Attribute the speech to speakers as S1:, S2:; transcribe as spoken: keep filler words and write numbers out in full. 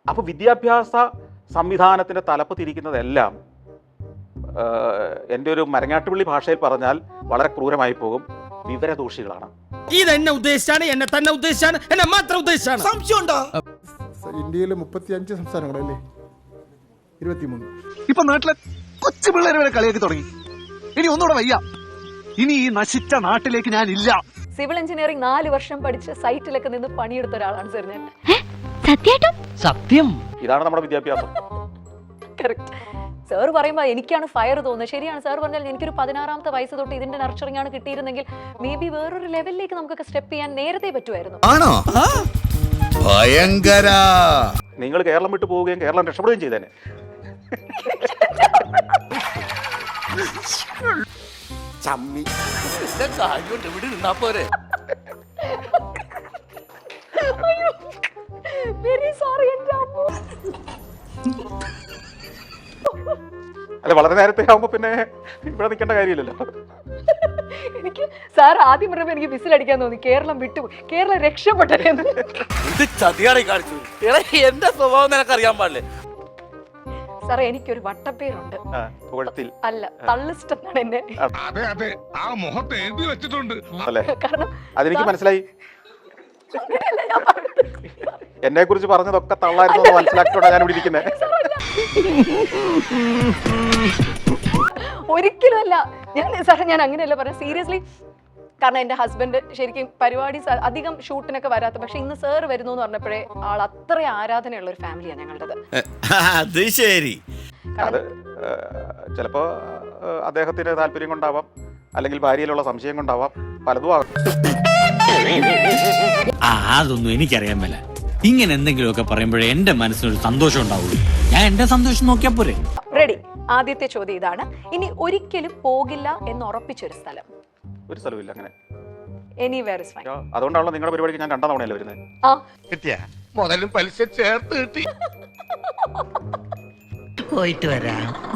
S1: അപ്പോൾ വിദ്യാഭ്യാസ സംവിധാനത്തിൻ്റെ തലപ്പ് തിരിക്കുന്നതെല്ലാം എൻ്റെ ഒരു മരങ്ങാട്ടുപള്ളി ഭാഷയിൽ പറഞ്ഞാൽ വളരെ ക്രൂരമായി പോകും, വിവരദോഷികളാണ്.
S2: ഇതെന്നെ ഉദ്ദേശിച്ചാണ്, എന്നെ തന്നെ ഉദ്ദേശിച്ചാണ്, എന്നെ മാത്രം ഉദ്ദേശിച്ചാണ്. സംശയമുണ്ടോ?
S3: ഇന്ത്യയിലെ മുപ്പത്തിയഞ്ച് സംസ്ഥാനങ്ങളല്ലേ, ഇരുപത്തിമൂന്ന്.
S4: ഇപ്പൊ നാട്ടിലെ കൊച്ചു പിള്ളേരെ വരെ കളിയാക്കി തുടങ്ങി. ഇനി ഒന്നുകൂടെ വയ്യ. ഇനി ഈ നശിച്ച നാട്ടിലേക്ക് ഞാൻ ഇല്ല.
S5: സിവിൽ എഞ്ചിനീയറിംഗ് നാല് വർഷം പഠിച്ച് സൈറ്റിലൊക്കെ നിന്ന് പണിയെടുത്ത ഒരാളാണ് സർ ഞാൻ.
S2: സത്യം.
S1: ഇതാണ് നമ്മുടെ വിദ്യാഭ്യാസം.
S5: കറക്റ്റ്. സാർ പറയുമ്പോൾ എനിക്കാണ് ഫയർ തോന്നുന്നത്. ശരിയാണ് സാർ പറഞ്ഞാൽ എനിക്കൊരു പതിനാറാമത്തെ വയസ്സ് തൊട്ട് ഇതിന്റെ നർച്ചറിംഗ് ആണ് കിട്ടിയിരുന്നെങ്കിൽ മേ ബി വേറൊരു ലെവലിലേക്ക് നമുക്കൊക്കെ സ്റ്റെപ്പ് ചെയ്യാൻ നേരത്തെ പറ്റുമായിരുന്നു.
S6: ആണോ? ഭയങ്കര.
S1: നിങ്ങൾ കേരളം വിട്ടു പോവുകയും കേരളം രക്ഷപ്പെടുകയും ചെയ്തേനെ.
S6: ചമ്മി
S2: ഇവിടെ നിന്നാ പോരെ.
S5: വെരി സോറി എൻ്റെ അമ്മ.
S1: അല്ല, വളരെ നേരത്തെ ആവുമ്പോ പിന്നെ ഇവിടെ നിൽക്കേണ്ട കാര്യമില്ലല്ലോ.
S5: എനിക്ക് സാർ ആദ്യം പറഞ്ഞപ്പോൾ എനിക്ക് വിസിലടിക്കാൻ തോന്നി. കേരളം വിട്ടു, കേരളം രക്ഷപ്പെട്ടെ.
S2: ഇത് ചതിയാണെ കാണിച്ചു. എന്റെ സ്വഭാവം നിനക്കറിയാൻ പാടില്ലേ?
S5: സാറേ എനിക്കൊരു വട്ടപ്പേരുണ്ട്. അല്ല, തള്ളിസ്റ്റ് എന്നാണ് എന്നെ.
S7: അതെ അതെ, ആ മുഖത്ത് എഴുതി വെച്ചിട്ടുണ്ട്.
S1: അല്ലേ?
S5: കാരണം
S1: അതെനിക്ക് മനസ്സിലായി. എന്നെ കുറിച്ച് പറഞ്ഞതൊക്കെ തള്ളായിരുന്നു മനസ്സിലാക്കിയോണ്ടാണ് ഞാൻ ഇവിടെ ഇരിക്കുന്നത്.
S5: ഒരിക്കലും അല്ല. ഞാൻ സാറേ ഞാൻ അങ്ങനെയല്ല പറയാം, സീരിയസ്ലി. കാരണം എൻ്റെ ഹസ്ബൻഡ് ശരിക്കും പരിപാടി അധികം ഷൂട്ടിനൊക്കെ വരാത്ത, പക്ഷെ ഇന്ന് സാർ വരുന്നു എന്ന് പറഞ്ഞപ്പോഴേ ആൾ അത്ര ആരാധനയുള്ള ഒരു ഫാമിലിയാണ് ഞങ്ങളുടേത്.
S6: അത് ശരി.
S1: അത് ചിലപ്പോ അദ്ദേഹത്തിന്റെ താല്പര്യം കൊണ്ടാവാം, അല്ലെങ്കിൽ ഭാര്യയിലുള്ള സംശയം കൊണ്ടാവാം, പലതും ആകും.
S8: അതൊന്നും എനിക്കറിയാൻ മേല. ഇങ്ങനെ എന്തെങ്കിലുമൊക്കെ പറയുമ്പോഴേ എന്റെ മനസ്സിനൊരു സന്തോഷം ഉണ്ടാവുള്ളൂ. ഞാൻ എന്റെ സന്തോഷം നോക്കിയാ പോരെ.
S5: റെഡി. ആദ്യത്തെ ചോദ്യം ഇതാണ്. ഇനി ഒരിക്കലും പോകില്ല എന്ന് ഉറപ്പിച്ചൊരു സ്ഥലം.
S1: ഒരു സ്ഥലമില്ല അങ്ങനെ.
S5: Anywhere is fine.
S1: അതുകൊണ്ടാണല്ലോ നിങ്ങളുടെ പരിപാടിക്ക് ഞാൻ രണ്ടാം തവണയല്ലേ വരുന്നത്.
S5: ആ
S7: കിട്ടിയ മുതലും പലിശ ചേർത്ത് കിട്ടി.
S2: പോയിട്ട് വരാം.